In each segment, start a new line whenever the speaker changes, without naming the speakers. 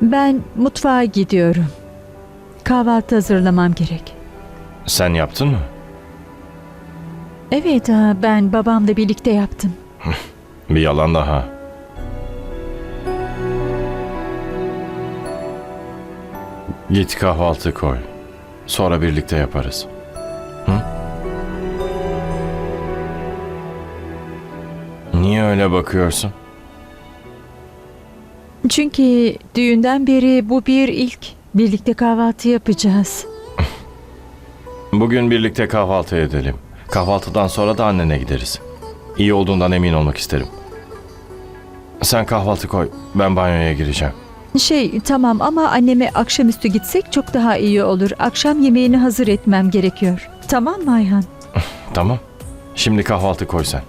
Ben mutfağa gidiyorum. Kahvaltı hazırlamam gerek.
Sen yaptın mı?
Evet, ben babamla birlikte yaptım.
Bir yalan daha. Git kahvaltı koy. Sonra birlikte yaparız. Hı? Niye öyle bakıyorsun?
Çünkü düğünden beri bu bir ilk. Birlikte kahvaltı yapacağız.
Bugün birlikte kahvaltı edelim. Kahvaltıdan sonra da annene gideriz. İyi olduğundan emin olmak isterim. Sen kahvaltı koy. Ben banyoya gireceğim.
Tamam ama anneme akşamüstü gitsek çok daha iyi olur. Akşam yemeğini hazır etmem gerekiyor. Tamam mı Ayhan?
Tamam. Şimdi kahvaltı koy sen.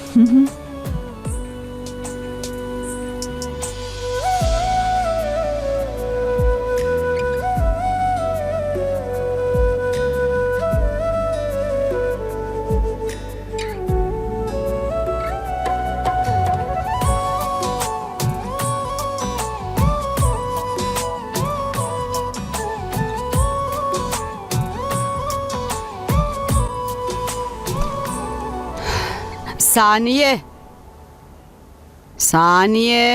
Saniye. Saniye.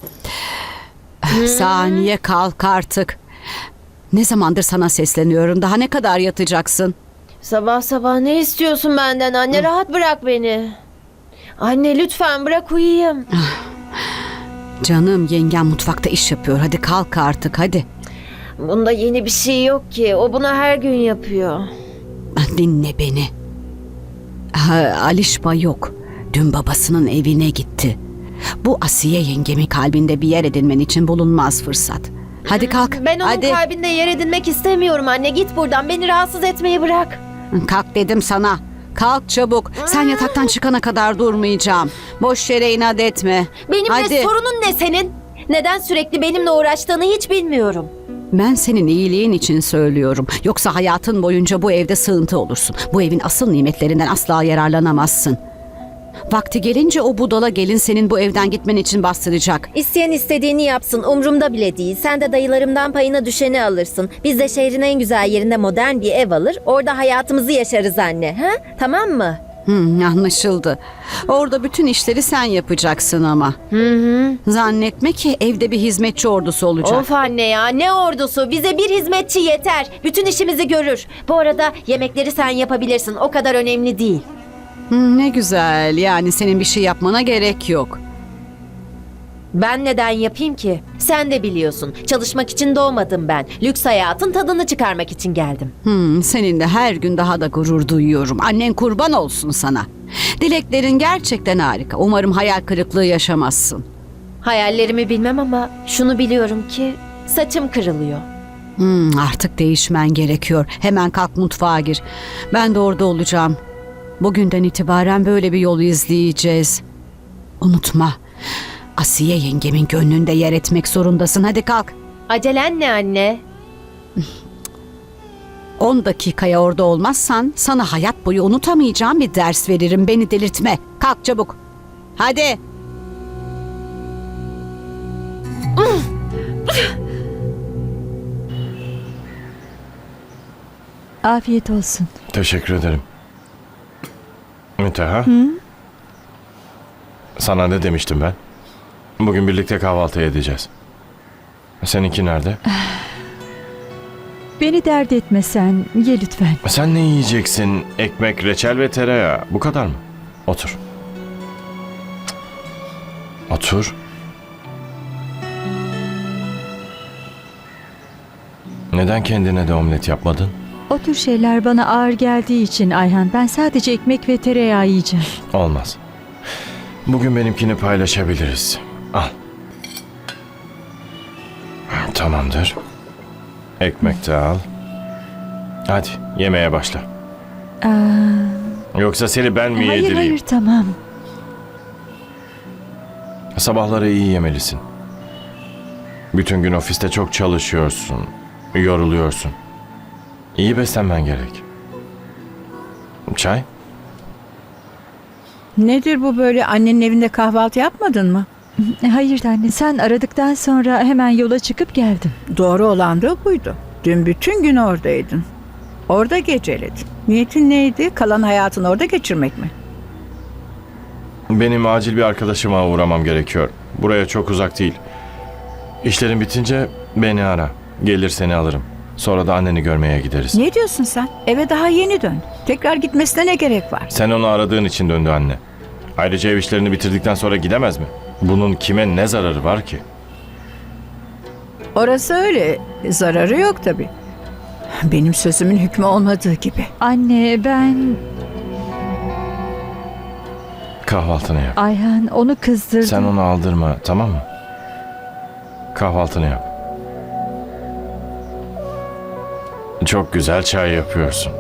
Saniye kalk artık. Ne zamandır sana sesleniyorum. Daha ne kadar yatacaksın?
Sabah sabah ne istiyorsun benden anne? Rahat bırak beni. Anne lütfen bırak uyuyayım.
Canım yengem mutfakta iş yapıyor. Hadi kalk artık hadi.
Bunda yeni bir şey yok ki. O bunu her gün yapıyor.
Dinle beni. Alişba yok. Dün babasının evine gitti. Bu Asiye yengemin kalbinde bir yer edinmen için bulunmaz fırsat. Hadi kalk.
Ben onun
hadi.
kalbinde yer edinmek istemiyorum anne. Git buradan. Beni rahatsız etmeyi bırak.
Kalk dedim sana. Kalk çabuk. Sen yataktan çıkana kadar durmayacağım. Boş yere inat etme.
Benimle
Hadi.
sorunun ne senin? Neden sürekli benimle uğraştığını hiç bilmiyorum.
Ben senin iyiliğin için söylüyorum. Yoksa hayatın boyunca bu evde sığıntı olursun. Bu evin asıl nimetlerinden asla yararlanamazsın. Vakti gelince o budala gelin senin bu evden gitmen için bastıracak.
İsteyen istediğini yapsın. Umrumda bile değil. Sen de dayılarımdan payına düşeni alırsın. Biz de şehrin en güzel yerinde modern bir ev alır. Orada hayatımızı yaşarız anne. Ha? Tamam mı?
Anlaşıldı. Orada bütün işleri sen yapacaksın ama. Zannetme ki evde bir hizmetçi ordusu olacak.
Of anne ya, ne ordusu, bize bir hizmetçi yeter. Bütün işimizi görür. Bu arada yemekleri sen yapabilirsin, o kadar önemli değil.
Ne güzel. Yani senin bir şey yapmana gerek yok.
Ben neden yapayım ki? Sen de biliyorsun, çalışmak için doğmadım ben. Lüks hayatın tadını çıkarmak için geldim.
Seninle her gün daha da gurur duyuyorum. Annen kurban olsun sana. Dileklerin gerçekten harika. Umarım hayal kırıklığı yaşamazsın.
Hayallerimi bilmem ama şunu biliyorum ki saçım kırılıyor.
Artık değişmen gerekiyor. Hemen kalk mutfağa gir. Ben de orada olacağım. Bugünden itibaren böyle bir yolu izleyeceğiz. Unutma. Asiye yengemin gönlünde yer etmek zorundasın. Hadi kalk.
Acelen ne anne?
10 dakikaya orada olmazsan sana hayat boyu unutamayacağım bir ders veririm. Beni delirtme. Kalk çabuk. Hadi.
Afiyet olsun.
Teşekkür ederim. Müteha. Sana ne demiştim ben? Bugün birlikte kahvaltı edeceğiz. Seninki nerede?
Beni dert etme sen. Ye lütfen.
Sen ne yiyeceksin? Ekmek, reçel ve tereyağı. Bu kadar mı? Otur. Otur. Neden kendine de omlet yapmadın?
O tür şeyler bana ağır geldiği için Ayhan. Ben sadece ekmek ve tereyağı yiyeceğim.
Olmaz. Bugün benimkini paylaşabiliriz. Al. Tamamdır. Ekmek de al. Hadi yemeğe başla. Yoksa seni ben mi
Hayır
yedireyim?
hayır tamam.
Sabahları iyi yemelisin. Bütün gün ofiste çok çalışıyorsun. Yoruluyorsun. İyi beslenmen gerek. Çay?
Nedir bu böyle, annenin evinde kahvaltı yapmadın mı?
Hayır anne, sen aradıktan sonra hemen yola çıkıp geldim.
Doğru olan da buydu. Dün bütün gün oradaydın. Orada geceledin. Niyetin neydi? Kalan hayatını orada geçirmek mi?
Benim acil bir arkadaşıma uğramam gerekiyor. Buraya çok uzak değil. İşlerin bitince beni ara. Gelir seni alırım. Sonra da anneni görmeye gideriz.
Ne diyorsun sen? Eve daha yeni dön. Tekrar gitmesine ne gerek var?
Sen onu aradığın için döndü anne. Ayrıca ev işlerini bitirdikten sonra gidemez mi? Bunun kime ne zararı var ki?
Orası öyle. Zararı yok tabii. Benim sözümün hükmü olmadığı gibi.
Anne, ben...
Kahvaltını yap.
Ayhan, onu kızdırdım.
Sen onu aldırma, tamam mı? Kahvaltını yap. Çok güzel çay yapıyorsun.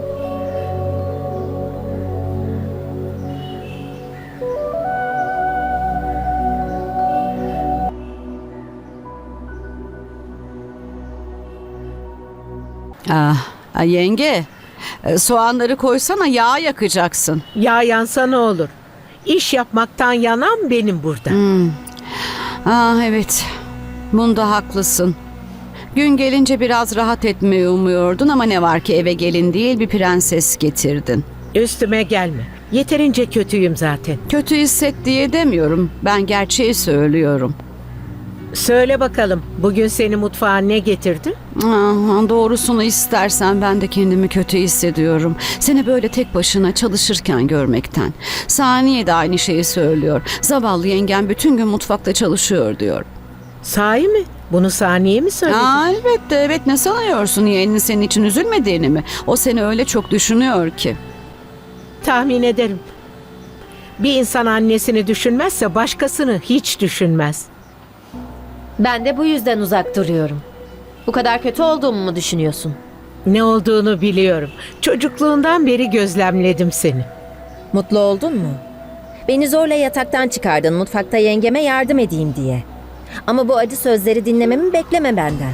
Yenge, soğanları koysana, yağ yakacaksın.
Ya yansa ne olur? İş yapmaktan yanan benim burada.
Evet, bunda haklısın. Gün gelince biraz rahat etmeyi umuyordun ama ne var ki eve gelin değil bir prenses getirdin.
Üstüme gelme. Yeterince kötüyüm zaten.
Kötü hisset diye demiyorum. Ben gerçeği söylüyorum.
Söyle bakalım, bugün seni mutfağa ne getirdi?
Doğrusunu istersen ben de kendimi kötü hissediyorum. Seni böyle tek başına çalışırken görmekten. Saniye de aynı şeyi söylüyor. Zavallı yengen bütün gün mutfakta çalışıyor diyor.
Sahi mi? Bunu Saniye mi söyledi?
Elbette, evet, ne sanıyorsun, yeğenin senin için üzülmediğini mi? O seni öyle çok düşünüyor ki.
Tahmin ederim. Bir insan annesini düşünmezse başkasını hiç düşünmez.
Ben de bu yüzden uzak duruyorum. Bu kadar kötü olduğumu mu düşünüyorsun?
Ne olduğunu biliyorum. Çocukluğundan beri gözlemledim seni.
Mutlu oldun mu? Beni zorla yataktan çıkardın mutfakta yengeme yardım edeyim diye. Ama bu acı sözleri dinlememi bekleme benden.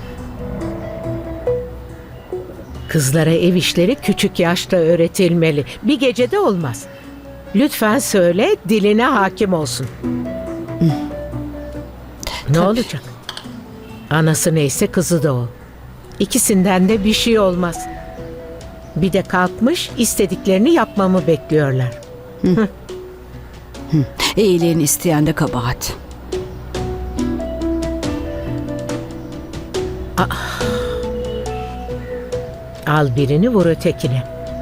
Kızlara ev işleri küçük yaşta öğretilmeli. Bir gecede olmaz. Lütfen söyle, diline hakim olsun. Ne olacak? Anası neyse kızı da o. İkisinden de bir şey olmaz. Bir de kalkmış istediklerini yapmamı bekliyorlar.
İyiliğini isteyen de kabahat.
Al birini vur ötekine.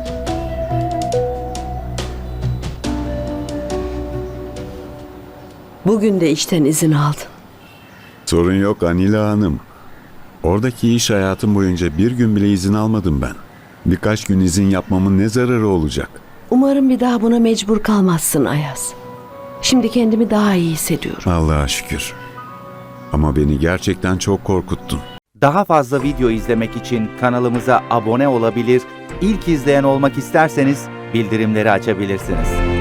Bugün de işten izin aldın.
Sorun yok Anila Hanım. Oradaki iş hayatım boyunca bir gün bile izin almadım ben. Birkaç gün izin yapmamın ne zararı olacak?
Umarım bir daha buna mecbur kalmazsın Ayaz. Şimdi kendimi daha iyi hissediyorum.
Allah'a şükür. Ama beni gerçekten çok korkuttun.
Daha fazla video izlemek için kanalımıza abone olabilir, ilk izleyen olmak isterseniz bildirimleri açabilirsiniz.